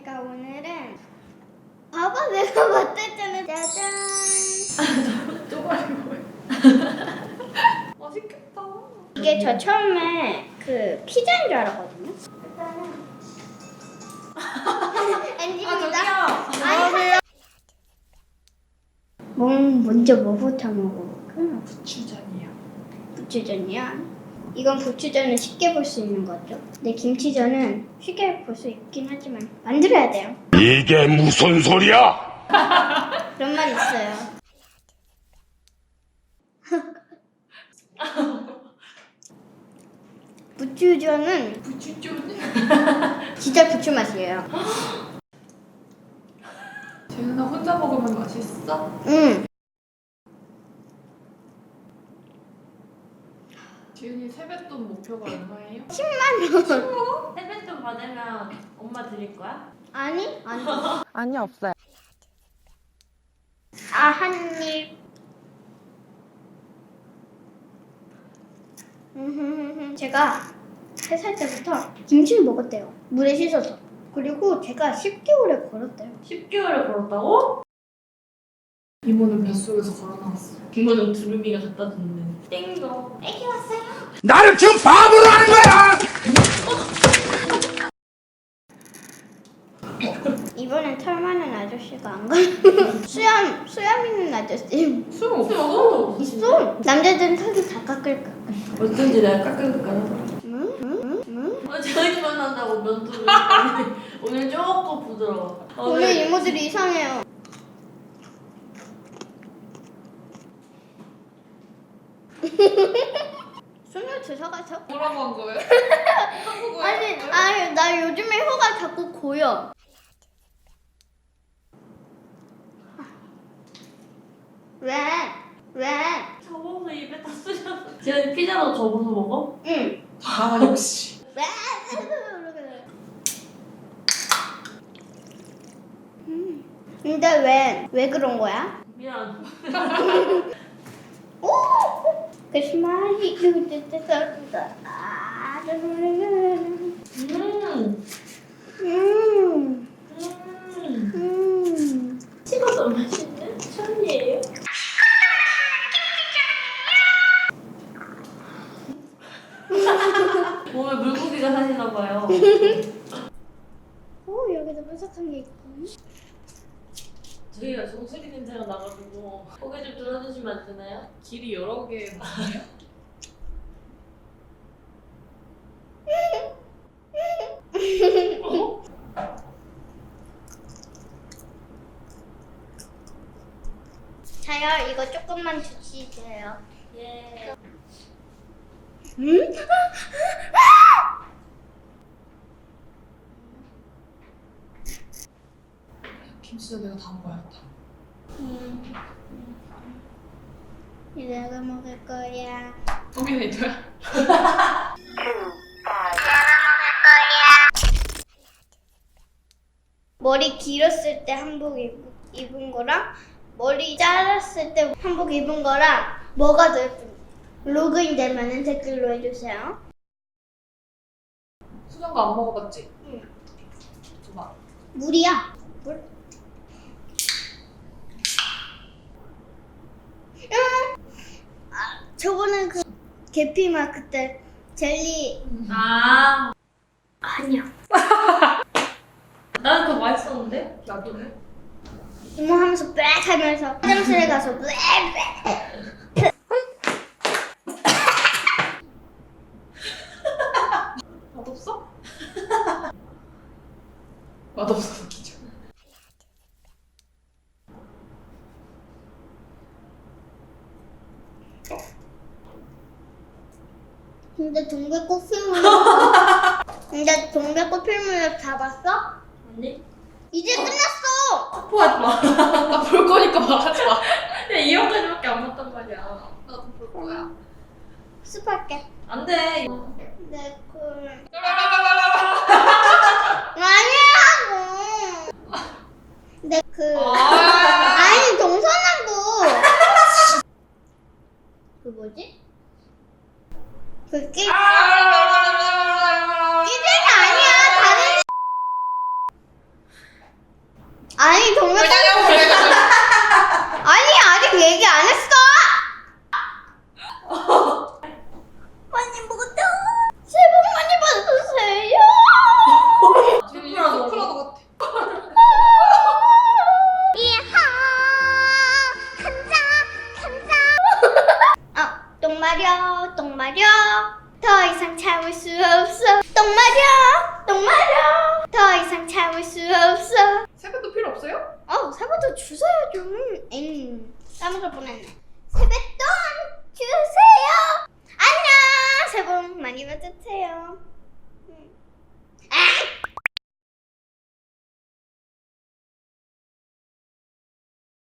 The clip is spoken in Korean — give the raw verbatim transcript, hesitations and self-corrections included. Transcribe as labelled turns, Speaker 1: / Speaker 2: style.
Speaker 1: 제가 오늘은 봐봐 내가 맞췄잖아. 짜잔.
Speaker 2: 쪼가리 뭐야? 맛있겠다.
Speaker 1: 이게 저 처음에 그 피자인 줄 알았거든요. 일단은 엔지입니다.
Speaker 2: 안녕하세요.
Speaker 1: 뭐 먼저 뭐부터 먹어볼까?
Speaker 2: 부추전이요.
Speaker 1: 부추전이야. 이건 부추전을 쉽게 볼 수 있는 거죠. 근데 김치전은 쉽게 볼 수 있긴 하지만 만들어야 돼요.
Speaker 3: 이게 무슨 소리야?
Speaker 1: 그런 말 있어요. 부추전은
Speaker 2: 부추전.
Speaker 1: 진짜 부추 맛이에요.
Speaker 2: 재윤아 혼자 먹으면 맛있어?
Speaker 1: 응.
Speaker 2: 재윤이 세뱃돈 목표가 얼마예요?
Speaker 4: 세뱃돈 받으면 엄마 드릴 거야?
Speaker 1: 아니? 아니.
Speaker 5: 아니 없어요.
Speaker 1: 아, 한 입. 제가 세 살 때부터 김치를 먹었대요. 물에 씻어서. 그리고 제가 십 개월에 걸었대요.
Speaker 4: 십 개월을 걸었다고?
Speaker 2: 이모는 뱃속에서 걸어 나왔어.
Speaker 4: 이모는 두루미가 갖다 줬네. 땡도. 애기 왔어요.
Speaker 3: 나를 지금 바보로 하는 거야!
Speaker 1: 이번엔 털 많은 아저씨가 안 가. 수염, 수염 있는 아저씨.
Speaker 2: 술 없어?
Speaker 1: 있어. 남자들은 털이 다 깎을 거야.
Speaker 4: 어쩐지 내가 깎을까 하더라.
Speaker 1: 응? 응? 응?
Speaker 4: 어, 저희만 한다고 면도를 오늘 조금 부드러워. 어,
Speaker 1: 오늘
Speaker 4: 네.
Speaker 1: 이모들이 이상해요. 손을 주워가서?
Speaker 2: 뭐라고 한 거예요? 한국어예요?
Speaker 1: 아니, 아니, 나 요즘에 혀가 자꾸 고여. 왜? 왜?
Speaker 4: 접어서 입에 다 쓰셨어. 지현이 피자도 접어서 먹어?
Speaker 1: 응.
Speaker 2: 아 역시.
Speaker 1: 왜? 음. 근데 왜, 왜 그런 거야?
Speaker 4: 미안.
Speaker 1: 오! 그 스마일이 그때때때때 아, 음.
Speaker 4: 음.
Speaker 1: 음.
Speaker 4: 음.
Speaker 1: 음.
Speaker 4: 식어도 맛있네. 천이에요. 몸에 물고기가 사시나 봐요.
Speaker 1: 오, 여기도 바삭한 게 있고.
Speaker 4: 저희가 정수리 냄새가 나가지고 고개 좀 들어주시면 안 되나요?
Speaker 2: 길이 여러 개 많아요?
Speaker 4: 어?
Speaker 1: 자요, 이거 조금만 주시세요.
Speaker 4: 예.
Speaker 1: 음?
Speaker 2: 김치전 내가 다 먹어야겠다.
Speaker 1: 음. 내가 먹을 거야.
Speaker 2: 터미네이터야?
Speaker 1: 머리 길었을 때 한복 입, 입은 거랑 머리 자랐을 때 한복 입은 거랑 뭐가 더 예쁜지 로그인 되면은 댓글로 해주세요.
Speaker 2: 수정도 안 먹어봤지?
Speaker 1: 응.
Speaker 2: 줘봐.
Speaker 1: 물이야. 물. 응. 아, 저번에 그 계피맛 그때 젤리
Speaker 4: 아,
Speaker 1: 아니야.
Speaker 4: 나는 그거 맛있었는데?
Speaker 2: 나도 해.
Speaker 1: 이모 하면서 빽 하면서 화장실에 가서 빽 빽.
Speaker 2: 맛없어? 맛없어 웃기죠.
Speaker 1: 근데 동백꽃 필무렵 근데 동백꽃 필무렵 다 봤어?
Speaker 4: 아니?
Speaker 1: 이제 끝났어.
Speaker 2: 스포하지 마. 나 볼 거니까 말하지 마.
Speaker 4: 야, 이 형까지밖에 안 봤단 말이야.
Speaker 2: 나도 볼 거야.
Speaker 1: 습할게.
Speaker 4: 안 돼.
Speaker 1: 내 꿀. 아니라고. 내 그. 아니 동서남도. 그 뭐지? 그 끼. 끼들이 아니야. 다른. 마려 똥 마려 더 이상 참을 수 없어 똥 마려 똥 마려 더 이상 참을 수 없어.
Speaker 2: 세뱃돈 필요 없어요?
Speaker 1: 어 세뱃돈 주세요 좀. 엥 까먹을 뻔했네. 세뱃돈 주세요. 안녕. 새해 복 많이 받으세요. 음.